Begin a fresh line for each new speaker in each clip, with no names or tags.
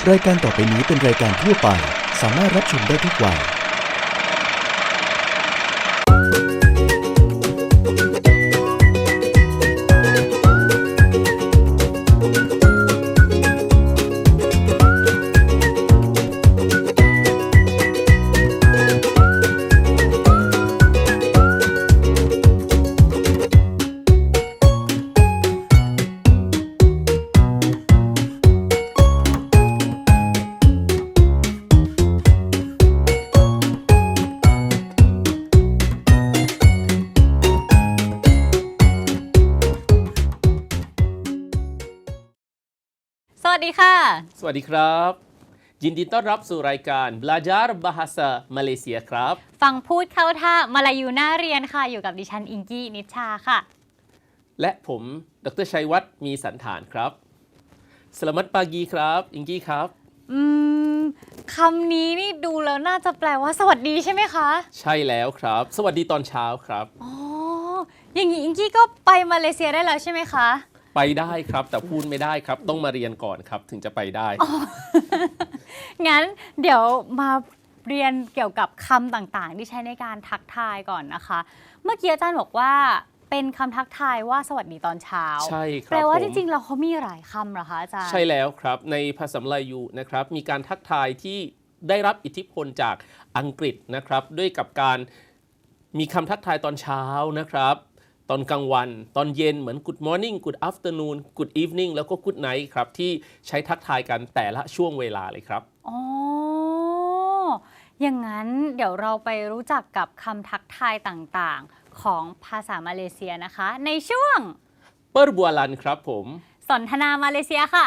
รายการต่อไปนี้เป็นรายการทั่วไปสามารถรับชมได้ทุกวัย
สวัสดีค่ะ
สวัสดีครับยินดีต้อนรับสู่รายการ Belajar Bahasa Malaysia ครับ
ฟังพูดเข้าท่ามาลายูน่าเรียนค่ะอยู่กับดิฉันอิงกี้นิชชาค่ะ
และผมดร.ชัยวัฒน์มีสันฐานครับสลามัตปากีครับอิงกี้ครับ
คำนี้นี่ดูแล้วน่าจะแปลว่าสวัสดีใช่ไหมคะ
ใช่แล้วครับสวัสดีตอนเช้าครับ
อ๋ออย่างนี้อิงกี้ก็ไปมาเลเซียได้แล้วใช่ไหมคะ
ไปได้ครับแต่พูดไม่ได้ครับต้องมาเรียนก่อนครับถึงจะไปได้
งั้นเดี๋ยวมาเรียนเกี่ยวกับคำต่างๆที่ใช้ในการทักทายก่อนนะคะเมื่อกี้อาจารย์บอกว่าเป็นคำทักทายว่าสวัสดีตอนเช้า
ใช่ครับ
แปลว่าจริงๆแล้วเขามีหลายคำเหรอคะอาจารย์
ใช่แล้วครับในภาษามลายูนะครับมีการทักทายที่ได้รับอิทธิพลจากอังกฤษนะครับด้วยกับการมีคำทักทายตอนเช้านะครับตอนกลางวันตอนเย็นเหมือน good morning good afternoon good evening แล้วก็ good night ครับที่ใช้ทักทายกันแต่ละช่วงเวลาเลยครับ
อ๋ออย่างนั้นเดี๋ยวเราไปรู้จักกับคำทักทายต่างๆของภาษามาเลเซียนะคะในช่วง
เปิร์บัวลันครับผม
สนทนามาเลเซียค่ะ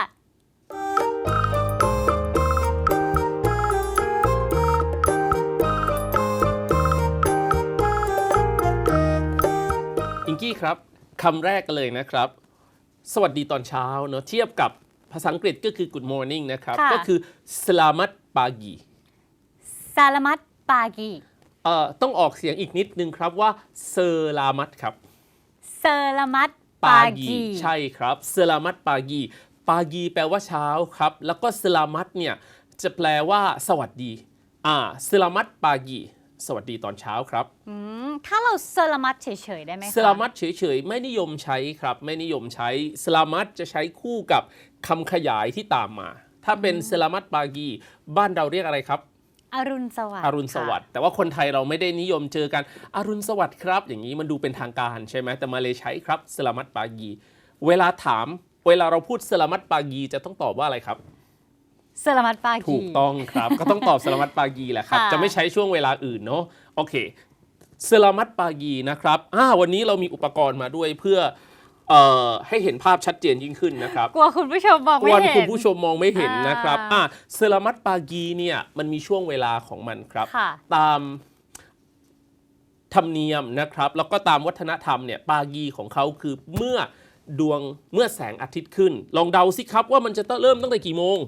อิงกี้ครับคำแรกกันเลยนะครับสวัสดีตอนเช้าเนอะเทียบกับภาษาอังกฤษก็คือ good morning นะครับก็คือ selamat pagi
Selamat pagi
ต้องออกเสียงอีกนิดนึงครับว่า selamat ครับ
Selamat pagi
ใช่ครับ selamat pagi pagi แปลว่าเช้าครับแล้วก็ selamat เนี่ยจะแปลว่าสวัสดีselamat pagi สวัสดีตอนเช้าครับ
ถ้าเรา Selamat เฉยๆได้ไหมคะ
Selamat เฉยๆไม่นิยมใช้ครับไม่นิยมใช้ Selamat จะใช้คู่กับคำขยายที่ตามมาถ้าเป็น Selamat pagi บ้านเราเรียกอะไรครับ
อรุณสวัสดิ์
อรุณสวัสดิ์แต่ว่าคนไทยเราไม่ได้นิยมเจอกันอรุณสวัสดิ์ครับอย่างนี้มันดูเป็นทางการใช่ไหมแต่มาเลยใช้ครับ Selamat pagi เวลาเราพูด Selamat pagi จะต้องตอบว่าอะไรครับ
Selamat pagi
ถูกต้องครับ ก็ต้องตอบ Selamat pagi แหละครับ จะไม่ใช้ช่วงเวลาอื่นเนาะโอเค Selamat pagi นะครับวันนี้เรามีอุปกรณ์มาด้วยเพื่อให้เห็นภาพชัดเจนยิ่งขึ้นนะครับ
กลัวคุณผู้ชมมองไม่เห็น
คุณผู้ชมมองไม่เห็นนะครับSelamat pagi เนี่ยมันมีช่วงเวลาของมันครับตามธรรมเนียมนะครับแล้วก็ตามวัฒนธรรมเนี่ยปากีของเขาคือเมื่อแสงอาทิตย์ขึ้นลองเดาสิครับว่ามันจะเริ่มตั้งแต่กี่โมง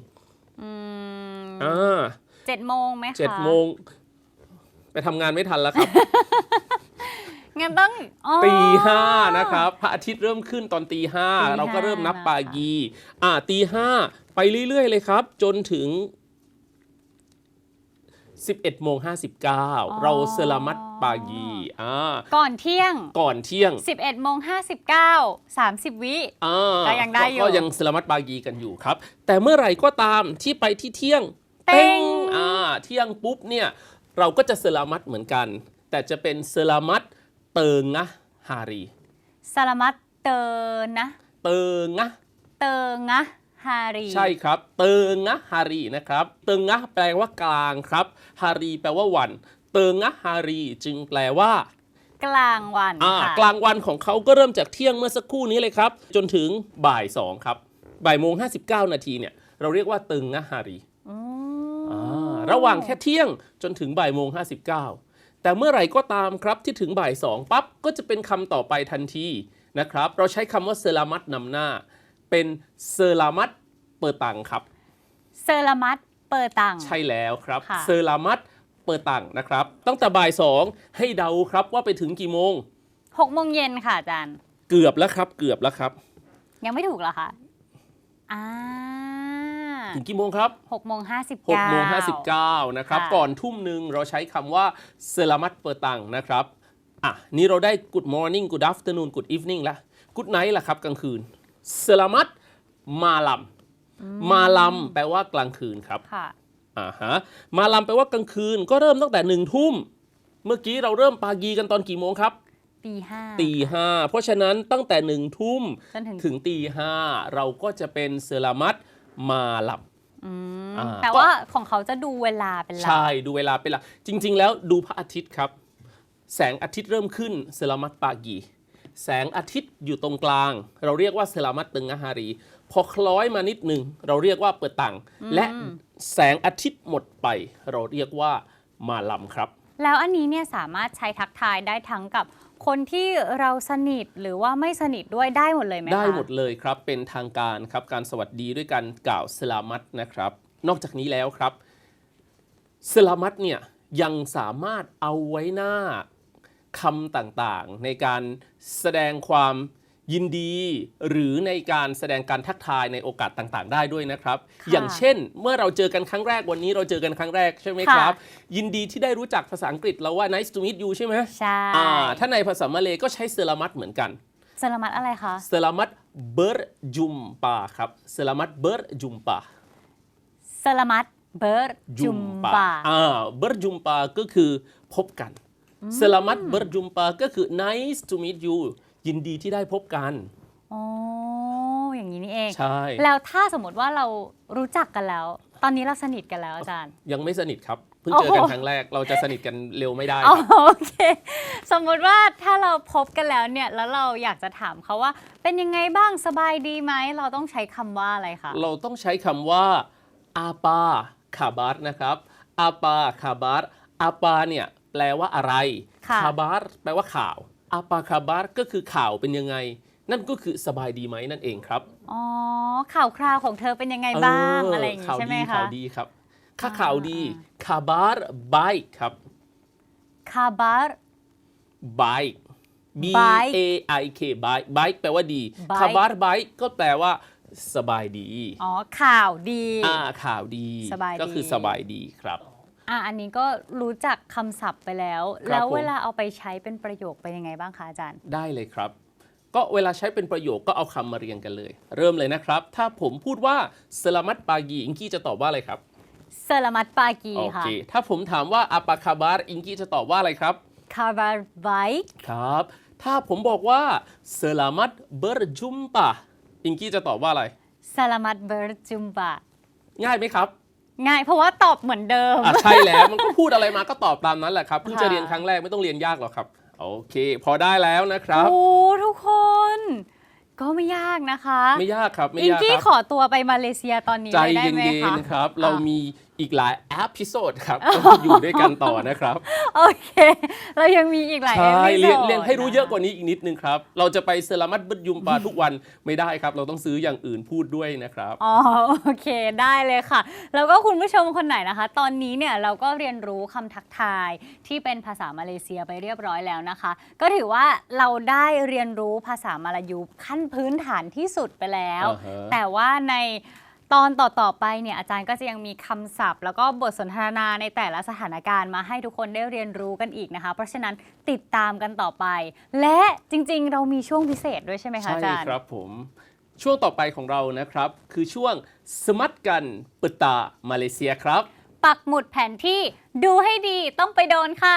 7 โมงไหมคะ
7 โมงไปทำงานไม่ทันแล้วครับ
งั้นต้อง
ตี 5นะครับพระอาทิตย์เริ่มขึ้นตอนตี 5เราก็เริ่มนับปากีตี 5ไปเรื่อยๆเลยครับจนถึง11 โมง 59เราเซลามัตปากี
ก่อนเที่ยง11 โมง 59 30 วิก็ยังได้อยู่
ก็ยังเซลามัตปากีกันอยู่ครับแต่เมื่อไหร่ก็ตามที่ไปที่เที่ยงเป้งเที่ยงปุ๊บเนี่ยเราก็จะเซลามัตเหมือนกันแต่จะเป็นเซลามัตเติงนะฮารี
สลามัตเตินะ
เติง
นะฮารี
ใช่ครับเติงนะฮารีนะครับเติงนะแปลว่ากลางครับฮารีแปลว่าวันเติงนะฮารีจึงแปลว่
ากลางวัน
กลางวันของเขาก็เริ่มจากเที่ยงเมื่อสักครู่นี้เลยครับจนถึงบ่าย 2ครับบ่ายโมง 59 นาทีเนี่ยเราเรียกว่าเติงนะฮารีระหว่างแค่เที่ยงจนถึงบ่ายโมง 59แต่เมื่อไหร่ก็ตามครับที่ถึงบ่าย 2ปั๊บก็จะเป็นคำต่อไปทันทีนะครับเราใช้คำว่าเซลามัตนำหน้าเป็นเซลามัตเปอร์ตังครับ
เซลามัตเปอร์ตัง
ใช่แล้วครับเซลามัตเปอร์ตังนะครับตั้งแต่บ่าย 2ให้เดาครับว่าไปถึงกี่โมง
6 โมงเย็นค่ะอาจารย์
เกือบแล้วครับ
ยังไม่ถูกเหรอคะ
ถึงกี่โมงครับ
6:59
6:59นะครับ
ค่ะ
ก่อนทุ่มหนึ่งเราใช้คำว่าเซลามัตเปอร์ตังนะครับนี่เราได้ good morning good afternoon good evening ละ good night ละครับกลางคืนเซลามัตมาลัมแปลว่ากลางคืนครับ
ค่ะ
มาลัมแปลว่ากลางคืนก็เริ่มตั้งแต่1 ทุ่มเมื่อกี้เราเริ่มปากีกันตอนกี่โมงครับ
ตี 5
ตี 5เพราะฉะนั้นตั้งแต่1 ทุ่ม
จนถึง
ถึงตี 5เราก็จะเป็นเซลามัตมาลัม
แต่ว่าของเขาจะดูเวลาเป็นหลัก
ใช่ดูเวลาเป็นหลักจริง ๆ แล้วดูพระอาทิตย์ครับแสงอาทิตย์เริ่มขึ้นเซลามัตปากีแสงอาทิตย์อยู่ตรงกลางเราเรียกว่าเซลามัตตึงอาฮารีพอคล้อยมานิดหนึ่งเราเรียกว่าเปิดตังและแสงอาทิตย์หมดไปเราเรียกว่ามาลัมครับ
แล้วอันนี้เนี่ยสามารถใช้ทักทายได้ทั้งกับคนที่เราสนิทหรือว่าไม่สนิทด้วยได้หมดเลยไหมคะ
ได้หมดเลยครับเป็นทางการครับการสวัสดีด้วยการกล่าวสลามัตนะครับนอกจากนี้แล้วครับสลามัตเนี่ยยังสามารถเอาไว้หน้าคำต่างๆในการแสดงความยินดีหรือในการแสดงการทักทายในโอกาสต่างๆ ได้ด้วยนะครับ อย่างเช่นเมื่อเราเจอกันครั้งแรกวันนี้เราเจอกันครั้งแรกใช่ไหมครับยินดีที่ได้รู้จักภาษาอังกฤษเราว่า nice to meet you ใช่ไหม
ใช่
ถ้าในภาษามาเลย์ก็ใช้เซลามัตเหมือนกัน
สลามัตอะไรคะ
เซลามัตเบอร์จุมปาครับเซลามัตเบอร์จุมปา
สลามัตเบอร์จุมบา
เบอร์จุมปาก็คือพบกันเซลามัตเบอร์จุมปาก็คือ nice to meet you ยินดีที่ได้พบกัน
อ๋ออย่างนี้นี่เอง
ใช่
แล้วถ้าสมมติว่าเรารู้จักกันแล้ว ตอนนี้เราสนิทกันแล้วอาจารย์
ยังไม่สนิทครับเพิ่งเจอกันครั้งแรกเราจะสนิทกันเร็วไม่ได้
อ๋อ
ครับ
โอเค สมมุติว่าถ้าเราพบกันแล้วเนี่ยแล้วเราอยากจะถามเขาว่าเป็นยังไงบ้างสบายดีไหมเราต้องใช้คำว่าอะไรคะ
เราต้องใช้คำว่าอาปาคาบาร์นะครับอาปาคาบาร์อาปาเนี่ยแปลว่าอะไรคาบาร์แปลว่าข่าวอาปาคาบาร์ก็คือข่าวเป็นยังไงนั่นก็คือสบายดีไหมนั่นเองครับ
อ๋อข่าวคราวของเธอเป็นยังไงบ้างอะไรอย่างนี้ใช่ไหมคะ
ข่าวดีครับข่าวดีคาบาร์ไบค์ครับ
คาบาร์
ไบค์ B A I K ไบค์ไบค์แปลว่าดี
Bike
คาบาร์ไบค์ก็แปลว่าสบายดี
อ๋อข่าวดี
ข่าวดี
สบายดี
ก็คือสบายดีครับ
อันนี้ก็รู้จักคำศัพท์ไปแล้ว
ครับ
แล้ว
ผม
เวลาเอาไปใช้เป็นประโยคเป็นยังไงบ้างคะอาจารย์
ได้เลยครับ ก็เวลาใช้เป็นประโยคก็เอาคำมาเรียงกันเลย เริ่มเลยนะครับ ถ้าผมพูดว่าสลามัตปากีอิงกี้จะตอบว่าอะไรครับ
สลามัตปากี
โอ
ค่ะ
เคถ้าผมถามว่าอาปาคาบาร์อิงกี้จะตอบว่าอะไรครับ
คาบาร์ไบค์
ครับ ถ้าผมบอกว่าสลามัตเบอร์จุมปาอิงกี้จะตอบว่าอะไร
สลามัตเบอร์จุมบะ
ง่ายไหมครับ
ง่ายเพราะว่าตอบเหมือนเดิม
ใช่แล้วมันก็พูดอะไรมาก็ตอบตามนั้นแหละครับเพิ่งจะ
ค่ะ
เรียนครั้งแรกไม่ต้องเรียนยากหรอกครับ โอเค พอได้แล้วนะครับ
โอ้ทุกคน ก็ไม่ยากนะคะ
ไม่ยากครับไม่
อิง
ยาก
กี้
ครับ
ขอตัวไปมาเลเซียตอนนี้
ใจ
เลยได้
เย็
ไหมคะ
นๆครับ เรามีอีกหลายเอพิโซดครับอยู่ด้วยกันต่อนะครับ
โอเค เรายังมีอีกหลาย
ใช่
เอพิโซด
เรียนให้รู้เยอะกว่านี้อีกนิดนึงครับ เราจะไปเซรามัตบึดยุมปาทุกวันไม่ได้ครับ เราต้องซื้ออย่างอื่นพูดด้วยนะครับ
อ๋อโอเคได้เลยค่ะ แล้วก็คุณผู้ชมคนไหนนะคะ ตอนนี้เนี่ยเราก็เรียนรู้คำทักทายที่เป็นภาษามาเลเซียไปเรียบร้อยแล้วนะคะ ก็ถือว่าเราได้เรียนรู้ภาษามาลายูขั้นพื้นฐานที่สุดไปแล้ว
อ่าฮะ
แต่ว่าในตอนต่อๆไปเนี่ยอาจารย์ก็จะยังมีคำศัพท์ แล้วก็บทสนทนาในแต่ละสถานการณ์มาให้ทุกคนได้เรียนรู้กันอีกนะคะ เพราะฉะนั้นติดตามกันต่อไป และจริงๆ เรามีช่วงพิเศษด้วยใช่ไหมคะอาจารย์
ครับผมช่วงต่อไปของเรานะครับ คือช่วงสมัตกันปตามาเลเซียครับ
ปักหมุดแผนที่ดูให้ดีต้องไปโดนค่ะ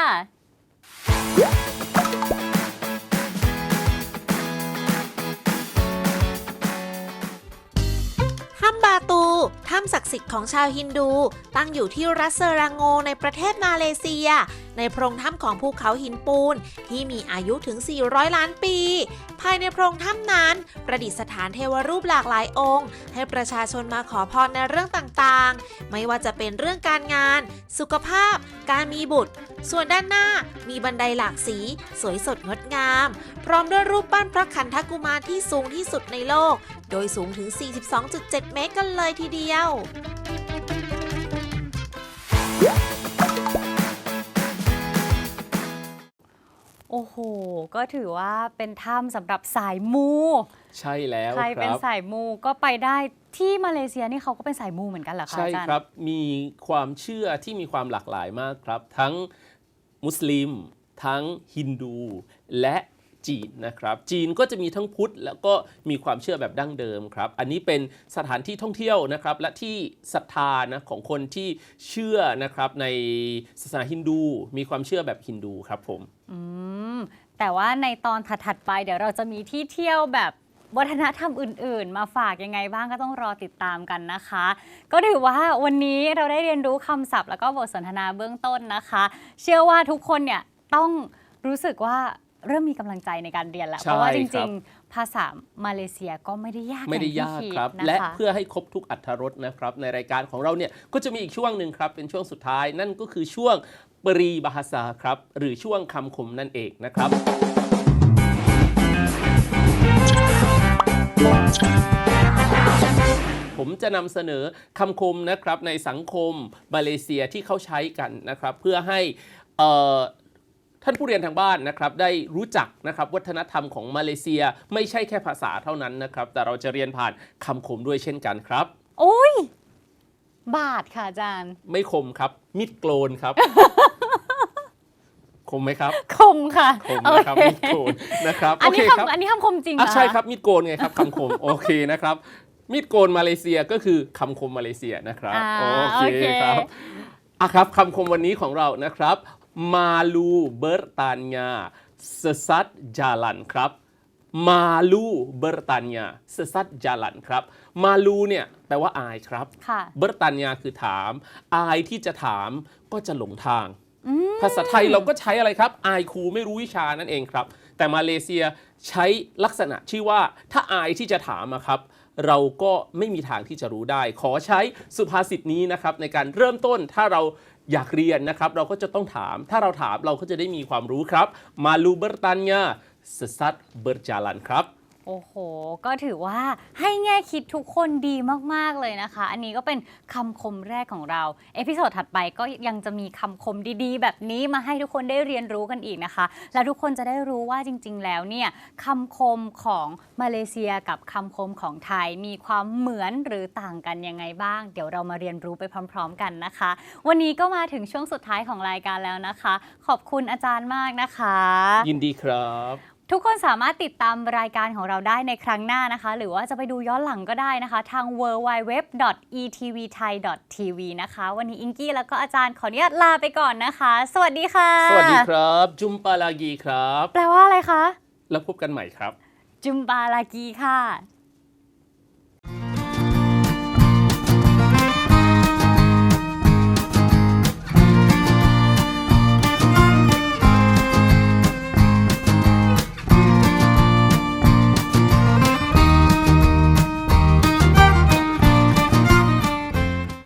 ถ้ำบาตู ถ้ำศักดิ์สิทธิ์ของชาวฮินดู ตั้งอยู่ที่รัฐเซอรางโงในประเทศมาเลเซีย ในโพรงถ้ำของภูเขาหินปูนที่มีอายุถึง 400 ล้านปี ภายในโพรงถ้ำนั้น ประดิษฐานเทวรูปหลากหลายองค์ ให้ประชาชนมาขอพรในเรื่องต่างๆ ไม่ว่าจะเป็นเรื่องการงาน สุขภาพ การมีบุตร ส่วนด้านหน้ามีบันไดหลากสี สวยสดงดงาม พร้อมด้วยรูปปั้นพระขันธกุมารที่สูงที่สุดในโลก โดยสูงถึง 42.7 เมตรกันเลยทีเดียว
โอ้โห ก็ถือว่าเป็นถ้ำสำหรับสายมู
ใช่แล้ว
ใคร
ค
เป็น
รับ
สายมูก็ไปได้ที่มาเลเซียนี่เขาก็เป็นสายมูเหมือนกันเหรอคะ
ใช่
อาจารย์
ครับมีความเชื่อที่มีความหลากหลายมากครับ ทั้งมุสลิม ทั้งฮินดู และจีนนะครับจีนก็จะมีทั้งพุทธแล้วก็มีความเชื่อแบบดั้งเดิมครับอันนี้เป็นสถานที่ท่องเที่ยวนะครับและที่ศรัทธานะของคนที่เชื่อนะครับในศาสนาฮินดูมีความเชื่อแบบฮินดูครับผม
แต่ว่าในตอนถัดๆไปเดี๋ยวเราจะมีที่เที่ยวแบบวัฒนธรรมอื่นๆ มาฝากยังไงบ้างก็ต้องรอติดตามกันนะคะ ก็ถือว่าวันนี้เราได้เรียนรู้คำศัพท์แล้วก็บทสนทนาเบื้องต้นนะคะ เชื่อว่าทุกคนเนี่ยต้องรู้สึกว่าเริ่มมีกำลังใจในการเรียนแล้ว
ใช่
เพราะว่าจ
ครั
ริ
บ
งๆ ภาษามาเลเซียก็ไม่ได้ยาก
ไม่ได้ยาก
องที่
ครับ
ดนะคะ
และเพื่อให้ครบทุกอรรถรสนะครับในรายการของเราเนี่ยก็จะมีอีกช่วงหนึ่งครับเป็นช่วงสุดท้ายนั่นก็คือช่วงปรีบาฮาซาครับหรือช่วงคำคมนั่นเองนะครับ ผมจะนำเสนอคำคมนะครับในสังคมมาเลเซียที่เขาใช้กันนะครับเพื่อให้ท่านผู้เรียนทางบ้านนะครับได้รู้จักนะครับวัฒนธรรมของมาเลเซียไม่ใช่แค่ภาษาเท่านั้นนะครับแต่เราจะเรียนผ่านคำคมด้วยเช่นกันครับ
โอ้ยบาทค่ะอาจารย์
ไม่คมครับมิดโกลนครับ คมไหมครับ
คมค่ะ
คมนะครับ
โอ
มิด
เค
โกลนนะครับ
อันนี้
โเคครับ
อันนี้คำคมจริงเหรอ
ใช่ครับมีดโกนไงครับคำคม โอเคนะครับมีดโกนมาเลเซียก็คือคำคมมาเลเซียนะครับ
อ่า
โอเคครับครับคำคมวันนี้ของเรานะครับมาลูเบอร์ตานยาเซซัดจาลันครับมาลูเบอร์ตานยาเซซัดจาลันครับมาลูเนี่ยแปลว่าอายครับ
ค่ะ
เบอร์ตานยาคือถามอายที่จะถามก็จะหลงทาง ภาษาไทยเราก็ใช้อะไรครับอายครูไม่รู้วิชานั่นเองครับแต่มาเลเซียใช้ลักษณะชื่อว่าถ้าอายที่จะถามอะครับเราก็ไม่มีทางที่จะรู้ได้ ขอใช้สุภาษิตนี้นะครับในการเริ่มต้นถ้าเราอยากเรียนนะครับเราก็จะต้องถามถ้าเราถามเราก็จะได้มีความรู้ครับมาลูเบอร์ตันยาสซัดเบอร์จาลันครับ
โอ้โห ก็ถือว่าให้แง่คิดทุกคนดีมากๆเลยนะคะ อันนี้ก็เป็นคำคมแรกของเรา เอพิโซดถัดไปก็ยังจะมีคำคมดีๆ แบบนี้มาให้ทุกคนได้เรียนรู้กันอีกนะคะ แล้วทุกคนจะได้รู้ว่าจริงๆ แล้วเนี่ยคำคมของมาเลเซียกับคำคมของไทยมีความเหมือนหรือต่างกันยังไงบ้าง เดี๋ยวเรามาเรียนรู้ไปพร้อมๆ กันนะคะ วันนี้ก็มาถึงช่วงสุดท้ายของรายการแล้วนะคะ ขอบคุณอาจารย์มากนะคะ
ยินดีครับ
ทุกคนสามารถติดตามรายการของเราได้ในครั้งหน้านะคะ หรือว่าจะไปดูย้อนหลังก็ได้นะคะ ทาง www.etvthai.tv นะคะ วันนี้อิงกี้แล้วก็อาจารย์ขออนุญาตลาไปก่อนนะคะ สวัสดีค่ะ
สวัสดีครับจุมปาลากีครับ
แปลว่าอะไรคะ
แล้วพบกันใหม่ครับ
จุมบาลากีค่ะ